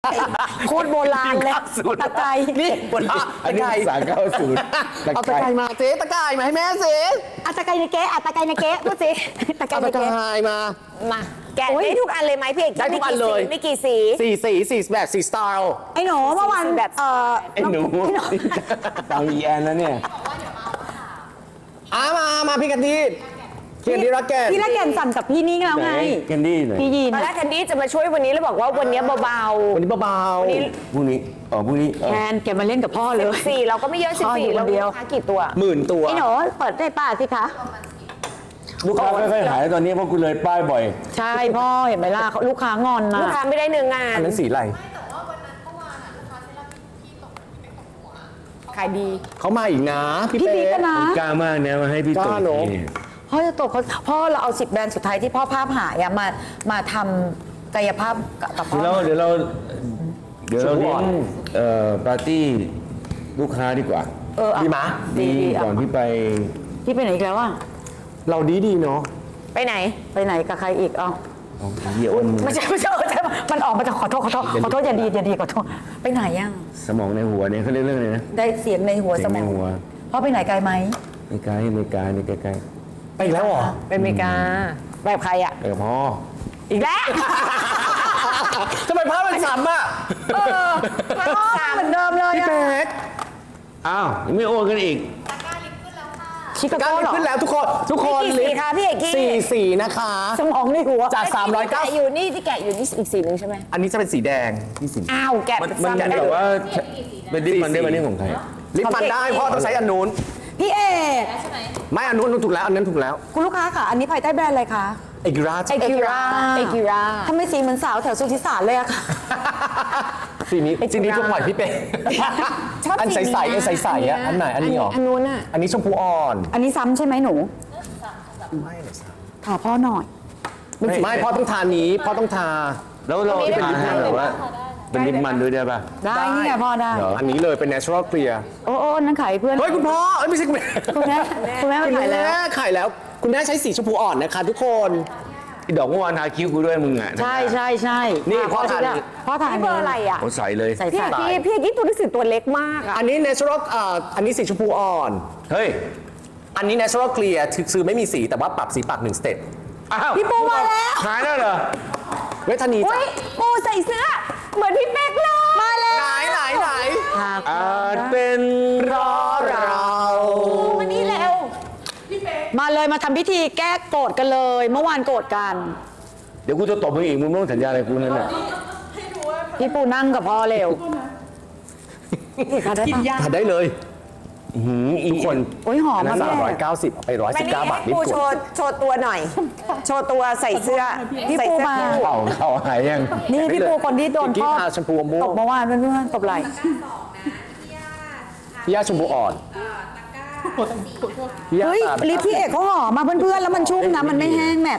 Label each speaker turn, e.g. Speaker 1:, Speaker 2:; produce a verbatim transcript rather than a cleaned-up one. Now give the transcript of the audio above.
Speaker 1: โคตรโบราณเลยตะไคร้
Speaker 2: นี่บน
Speaker 3: อันนี้สามเก้าศูนย์
Speaker 2: เอาตะไคร้มาเจ๊ตะไคร้มาให้แม่เจ๊
Speaker 1: อะตะไคร้ในเก๊อะตะไคร้ในเก๊พูดสิตะไคร้
Speaker 2: เอา
Speaker 1: ใน
Speaker 2: ตะไค
Speaker 1: เก๊
Speaker 2: ร้มา
Speaker 4: มาแกะได้ทุกอันเลยไหมพี่เอก
Speaker 2: ได้ทุกอันเลย
Speaker 4: ไม่กี่สี
Speaker 2: สี่สีสี่แบบสี่สไตล์
Speaker 1: ไอ้หนูเมื่อวาน
Speaker 4: แบบ
Speaker 1: เอ่อ
Speaker 3: ไอ้หนูตามอีแอนแล้วเนี่ย
Speaker 2: อ่ะมามาพี่กันดีเขียนดีรักแกน
Speaker 1: พี่ละแก่นสั่นกับพี่นี่แล้วไง
Speaker 3: แคนดี้หน่อย
Speaker 1: พี่ยีน
Speaker 4: ตอนแรกแคนดี้จะมาช่วยวันนี้แล้วบอกว่าวันนี้เบา
Speaker 2: วันนี้เบา
Speaker 3: พรุ่งนี้อ๋อพรุ่งนี้เออ
Speaker 1: แทนแกมาเล่นกับพ่อเลย
Speaker 4: ๆสี่เราก็ไม่เยอะสิบ
Speaker 1: พ่ออยู่
Speaker 4: สี่
Speaker 1: คน
Speaker 4: เรา
Speaker 1: เดี
Speaker 4: มี
Speaker 1: ยว
Speaker 4: ลูกค้ากี่ตัว
Speaker 2: ๆหมื่นตัว
Speaker 1: ไอ้หนูเปิดได้ป้าสิคะ
Speaker 3: ลูกค้าไม่ค่อยหายตอนนี้เพราะคุณเลยป้ายบ่อย
Speaker 1: ใช่พ่อเห็นไหมล่ะลูกค้างอนนะ
Speaker 4: ลูกค้าไม่ได้เนื้องาน
Speaker 2: อันนั้นสีอะไร
Speaker 4: ขายดี
Speaker 2: เขามาอีกนะพี่
Speaker 1: พี่
Speaker 2: เป๊
Speaker 1: บิ๊ก
Speaker 2: ะ
Speaker 1: นะ
Speaker 3: กล้ามากนะมาให้พี่
Speaker 2: ก
Speaker 3: ตุ๋
Speaker 2: ล้าย เนอะ
Speaker 3: เนี่ย
Speaker 1: พ่อจะตกเขาพ่อเราเอาสิบแบรนด์สุดท้ายที่พ่อภาพหายอะมามาทำกายภาพกับพ่
Speaker 3: เดี๋
Speaker 1: อ
Speaker 3: ยวเราเดี๋ยวเราเดี๋ยวเราเลี้ยงเอ่อปาร์ตี้ลูกค้าดีกว่า
Speaker 1: เออ
Speaker 2: ดีมะ
Speaker 1: ดีดี
Speaker 3: ก่อน
Speaker 1: อ่ะ
Speaker 3: ที่ไป
Speaker 1: พี่ไปไหนอีกแล้วอะ
Speaker 2: เราดีดีเนาะ
Speaker 4: ไปไหน
Speaker 1: ไปไหนกับใครอีกเอ้า
Speaker 3: เอาเหี้ยอ้น
Speaker 1: ไม่ใช่ไม่ใช่ไม่ใช่มันออกมาจากขอโทษขอโทษขอโทษอย่าดีอย่าดีขอโทษไปไหนยัง
Speaker 3: สมองในหัวเนี่ยเขาเรียกเรื่องอะไรนะ
Speaker 1: ได้เสียงในหัว
Speaker 3: เสี
Speaker 1: ส
Speaker 3: ยง
Speaker 1: ม
Speaker 3: ใน
Speaker 1: อง
Speaker 3: หัว
Speaker 1: พ่อไปไหนไกลไหม
Speaker 3: ไม่ไกลไม่ไกลไม่ไกล
Speaker 2: ไปอีกแล้วเหรอ
Speaker 4: เป็นอเมริกาแบบใครอ่ะ
Speaker 3: ไปกับพ่อ
Speaker 4: อีกแล้ว
Speaker 2: ทำไมภาพมันซ้ำอ่ะ
Speaker 4: เออ
Speaker 1: พ่อเหมือนเดิมเลย
Speaker 2: พี่
Speaker 1: อะ
Speaker 2: เป๊ก
Speaker 3: อ้าวยังไม่โอนกันอีก
Speaker 1: ชิคา
Speaker 2: การ
Speaker 1: โก้เหรอ
Speaker 2: ขึ้นแล้วทุกคนทุกคน
Speaker 4: กี่สีคะพี่เอกกี้
Speaker 2: สี่สีนะคะ
Speaker 1: สมองในหัว
Speaker 2: จากสามร้อยเก้า
Speaker 4: แกะอยู่นี่ที่แกะอยู่นี่อีกสีหนึ่งใช่ไหม
Speaker 2: อันนี้จะเป็นสีแดงที่สี
Speaker 4: อ้าวแกะ
Speaker 3: มัน
Speaker 4: เป็น
Speaker 3: มัน
Speaker 4: ซ้ำ
Speaker 3: แบบว่าเป็นดิสมันได้มันนี่ของไทย
Speaker 2: ลิปมันได้พ่อต้องใช้อันนู้น
Speaker 1: พี่เอก
Speaker 2: ไม่อันนู้นอันนู้นถูกแล้วอันนั้นถูกแล้ว
Speaker 1: คุณลูกค้าค่ะ อันนี้ภายใต้แบรนด์อะไรคะ
Speaker 2: เอกรา
Speaker 4: เอกิราเอกิรา
Speaker 1: ทำไมสีเหมือนสาวแถวสุทธิสารเลยอะค่ะ
Speaker 2: สีนี้สีนี้ทุกหน่อยพี่เป๊ก
Speaker 4: ชอบ
Speaker 2: อันใสใสๆอันใสใสๆอ่ะอันไหนอันนี้เหรอ
Speaker 4: อันนู้นอ่ะ
Speaker 2: อันนี้ชมพูอ่อน
Speaker 1: อันนี้ซ้ำใช่ไหมหนูถามพ่อหน่อย
Speaker 2: ไม่พ่อต้องทานี้พ่อต้องทา
Speaker 3: แล้วเรา
Speaker 4: อันนี้
Speaker 3: เป็น
Speaker 4: ได้
Speaker 3: ลิป
Speaker 4: ไหม
Speaker 3: มันแบบว่าเป็นลิปมันด้วยได้ป่ะ
Speaker 1: ได้นี่ไงพ่อได้
Speaker 3: เหรอ
Speaker 2: อันนี้เลยเป็น natural clear
Speaker 1: โอ้โอ้นั่นขายเพื่อน
Speaker 2: เฮ้ยคุณพ่อเอ้ยไม่ใช่คุณแม่
Speaker 1: คุณแม่คุณแม่
Speaker 2: คุ
Speaker 1: มา
Speaker 2: ณ
Speaker 1: ขายแล้ว
Speaker 2: แม่ขายแล้ว คุณแม่ใช้สีชมพูอ่อนนะคะทุกคน
Speaker 3: ไอ้ดอกเมื่อวานทาคิ้วกูด้วยมึงอ่ะ
Speaker 1: ใช่ใช่ใช่
Speaker 2: นี่
Speaker 1: ะ
Speaker 2: พ่อทาน
Speaker 1: ชิดะพ่อทาน
Speaker 4: นี่เบอร์อะไรอ่ะ
Speaker 3: โอ้ใส่เลย
Speaker 1: ใส่
Speaker 4: พี่
Speaker 1: ใส่
Speaker 4: พี่พี่ยี่ตัวหนังสือตัวเล็กมากอ่ะ
Speaker 2: อันนี้ natural เอ่ออันนี้สีชมพูอ่อน
Speaker 3: เฮ้ย
Speaker 2: อันนี้ natural clear คือไม่มีสีแต่ว่าปรับสีปากหนึ่งสเต็ป
Speaker 3: อ้าว
Speaker 1: พี่ปูมาแล้ว
Speaker 3: ขายแล้วเหรอ
Speaker 2: เวทนี
Speaker 4: อุ้
Speaker 2: จ้ะ
Speaker 4: ยปูใส่เสื้อ เหมือนพี่เป๊กเลยมาแล้ว
Speaker 2: ไหนไหนไหน
Speaker 3: อาจเป็น
Speaker 2: รอเรา
Speaker 4: มานี่แล้ว
Speaker 1: มาเลยมาทำพิธีแก้โกรธกันเลย เมื่อวานโกรธกัน
Speaker 3: เดี๋ยวกูจะตบมึงอีกมึงไม่ต้องสัญญาอะไรกูนั่นแหละ
Speaker 1: พี่ปูนั่งกับพ่อเร็วกินยา
Speaker 2: ทาได้เลย
Speaker 3: หืมอี
Speaker 2: ทุกคน
Speaker 1: โอ้ยหอม
Speaker 2: อันนั้
Speaker 1: มาน ก
Speaker 2: สามร้อย
Speaker 1: แม่
Speaker 2: เก้าสิบเอาไปร้อย
Speaker 4: มา
Speaker 2: สิบ
Speaker 4: นี่
Speaker 2: เก้าบาท
Speaker 4: ให้
Speaker 2: นี่
Speaker 4: ปู
Speaker 2: ก
Speaker 4: โช
Speaker 2: ด
Speaker 4: ว์โชว์ตัวหน่อย โชว์ตัวใส่เสื้อ
Speaker 1: พี่
Speaker 4: ใส่
Speaker 1: ปู
Speaker 4: เสื้อ
Speaker 1: มา
Speaker 4: คู่
Speaker 3: เข่าเข่าหายยัง
Speaker 1: นี่พี่ปูคนที่โดน
Speaker 2: กี้
Speaker 1: พ่อ
Speaker 2: ทาชมพูม่ว
Speaker 1: ต
Speaker 2: ง
Speaker 1: บเมื่อวานเพื่อนๆตบไหล่
Speaker 2: พี่ย่าชมพูอ่อนพี่ย่า
Speaker 1: เฮ้ย
Speaker 2: ตา
Speaker 1: ลิปพี่เอกเขาหอมมาเพื่อนๆแล้วมันชุ่มนะมันไม่แห้งแมท